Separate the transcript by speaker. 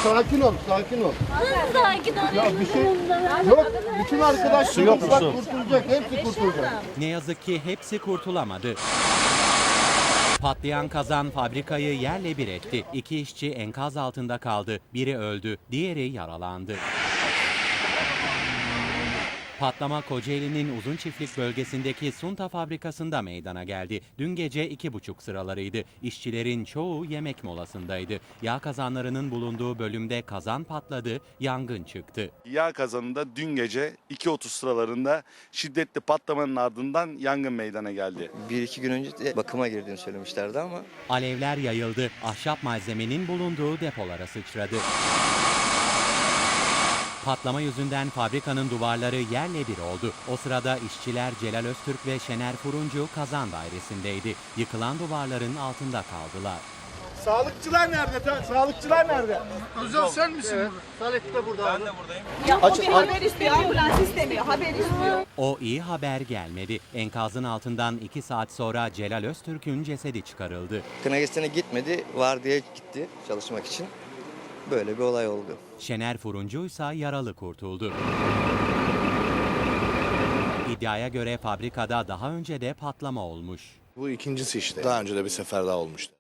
Speaker 1: sakin ol, sakin ol.
Speaker 2: Sakin ol.
Speaker 1: Ya bir şey yok. Bütün arkadaşlar kurtulacak, hepsi kurtulacak.
Speaker 3: Ne yazık ki hepsi kurtulamadı. Patlayan kazan fabrikayı yerle bir etti. 2 işçi enkaz altında kaldı. Biri öldü, diğeri yaralandı. Patlama Kocaeli'nin Uzunçiftlik bölgesindeki Sunta fabrikasında meydana geldi. Dün gece 2.30 sıralarıydı. İşçilerin çoğu yemek molasındaydı. Yağ kazanlarının bulunduğu bölümde kazan patladı, yangın çıktı.
Speaker 4: Yağ kazanında dün gece 2.30 sıralarında şiddetli patlamanın ardından yangın meydana geldi.
Speaker 5: 1-2 gün önce de bakıma girdiğini söylemişlerdi ama
Speaker 3: Alevler yayıldı, ahşap malzemenin bulunduğu depolara sıçradı. Patlama yüzünden fabrikanın duvarları yerle bir oldu. O sırada işçiler Celal Öztürk ve Şener Furuncu kazan dairesindeydi. Yıkılan duvarların altında kaldılar.
Speaker 1: Sağlıkçılar nerede? Sağlıkçılar nerede? Özel sen misin? Evet. Salih de burada. Ben de buradayım. Ya o bir haber
Speaker 6: istemiyor, ambulans istemiyor, haber istiyor.
Speaker 3: O iyi haber gelmedi. Enkazın altından 2 saat sonra Celal Öztürk'ün cesedi çıkarıldı.
Speaker 5: kına gecesine gitmedi, vardiyaya gitti çalışmak için. Böyle bir olay oldu.
Speaker 3: Şener Furuncu ise yaralı kurtuldu. İddiaya göre fabrikada daha önce de patlama olmuş.
Speaker 7: Bu ikincisi işte. Daha önce de bir sefer daha olmuştu.